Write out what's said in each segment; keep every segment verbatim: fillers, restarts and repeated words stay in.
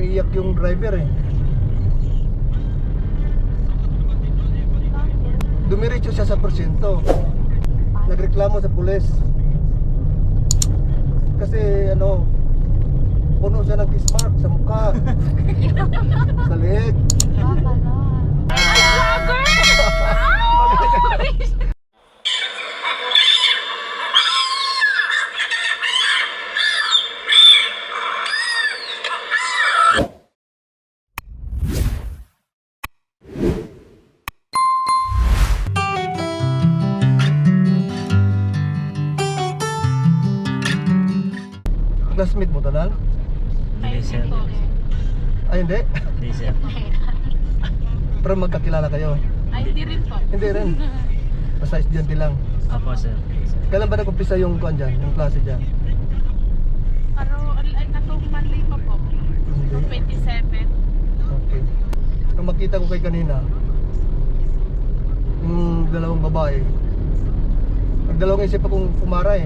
umiiyak yung driver eh. Dumiretso siya sa porsyento. Nagreklamo sa pulis. Kasi ano, puno siya ng kiss mark sa mukha, sa leeg. Classmate mo tanal? Hindi sir. Ay hindi? Hindi sir. Pero magkakilala kayo? Ay, hindi rin po. Hindi rin. Basta estudyante lang. Opo sir. Kailan ba nag-umpisa yung kuan dyan? Yung klase dyan? Pero, ay, natong Monday pa po. Noong twenty-seven. Okay. Nung makita ko kay kanina, yung dalawang babae, nagdalawang isip akong pumara eh.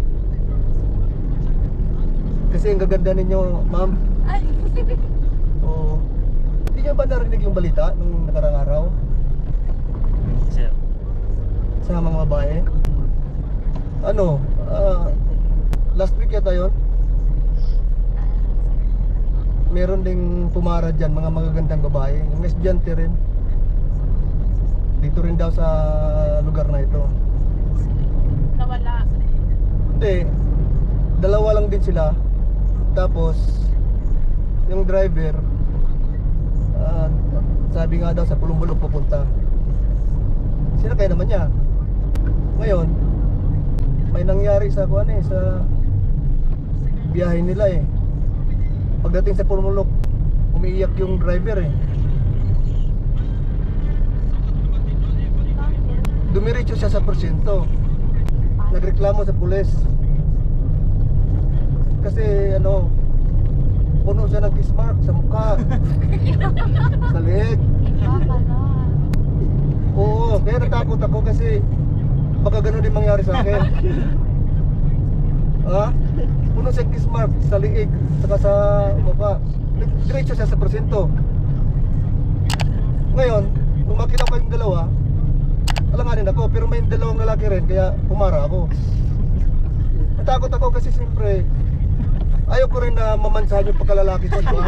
Kasi ang gaganda ninyo, ma'am. Ay, Oo. Hindi nyo ba narinig yung balita nung nakarang araw Hindi sir. sa mga babae? Ano, ah, last week yata yun, meron ding pumara dyan, mga magagandang babae, yung estudyante rin. Dito rin daw sa lugar na ito. nawala. Hindi, dalawa lang din sila. Tapos yung driver, ah, sabi nga daw sa Pulumbulok pupunta. Sinakay naman niya. Ngayon may nangyari sa kuan eh, sa biyahe nila eh. Pagdating sa Pulumbulok, umiiyak yung driver eh. Dumiretso siya sa porsyento. Nagreklamo sa pulis. Kasi ano, puno siya ng kiss mark sa mukha, sa leeg. Oo, kaya natakot ako kasi baka gano'n din mangyari sa akin. Ha? Puno siya kiss mark sa leeg, saka sa mukha. Diretso siya sa porsyento. Ngayon, kung makita ko yung dalawa, alanganin ako, pero may dalawang lalaki rin, kaya pumara ako. Natakot ako kasi siyempre ayaw ko rin na mamansahan yung pagkalalaki ko, di ba?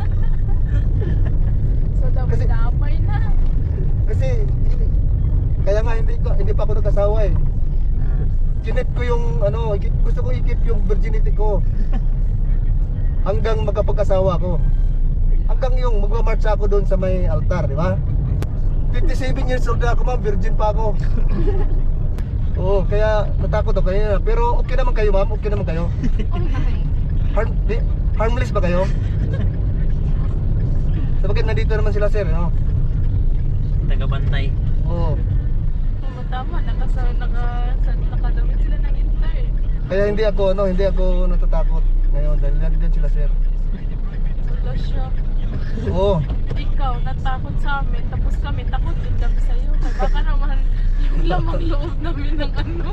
So, Kasi- damay-damay na. Kasi kaya nga hindi ko hindi pa ako nagkasawa eh. Kinip ko yung ano, ikip- gusto ko ikip yung virginity ko hanggang magkapag-asawa ko. Hanggang yung magma-march ako doon sa may altar, di ba? fifty-seven years old na ako, ma'am, virgin pa ako. Oo, kaya natakot ako kanina. Pero okay naman kayo, ma'am, okay naman kayo. Harm, di, harmless ba kayo? Sabagay nandito naman sila sir, no? Tagabantay. Oo. Oo, tama. Nakasa, naka, sa, nakadamit sila ng intern. Kaya hindi ako, ano, hindi ako natatakot ngayon dahil nandito sila sir. Wala siya. Oo. Ikaw, natakot sa amin. Tapos kami, takot din kami sa'yo. Baka naman yung lamang loob namin ng ano.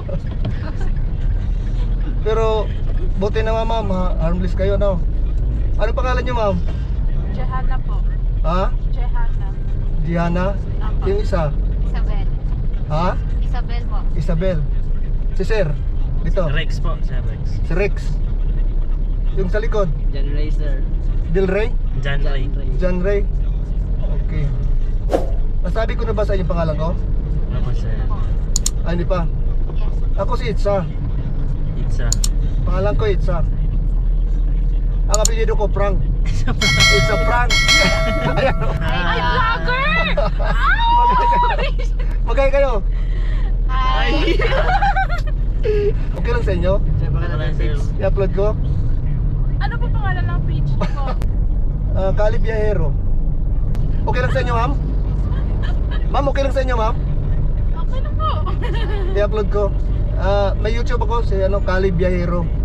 Pero buti naman ma'am, ha? Harmless kayo, no? Ano pangalan niyo, ma'am? Jehana po. Ha? Jehana. Diana? Tama. Yung isa? Isabel. Ha? Isabel po. Isabel. Si sir? Dito? Rex po, sir Rex. Si Rex. Yung sa likod? John Ray, sir. Del Rey? John Ray. John Ray? Okay. Nasabi ko na ba sa inyo pangalan ko? Opo sir. Ah, hindi pa. Yes. Ako si Itza. Itza. Pangalan ko Itza. Ang apelyido ko Frank. It's a prank. Ayan. Ay, vlogger! Magkaya kayo. Hi. Okay lang sa inyo? Sir, baka Wala, natin sir. fix. I-upload ko. Ano po pangalan ng page ko? Ah, Kali Biyahero. Okay lang sa inyo, ma'am? Ma'am, okay lang sa inyo, ma'am? Okay na po. I-upload ko. Ah, may YouTube ako si ano, Kali Biyahero.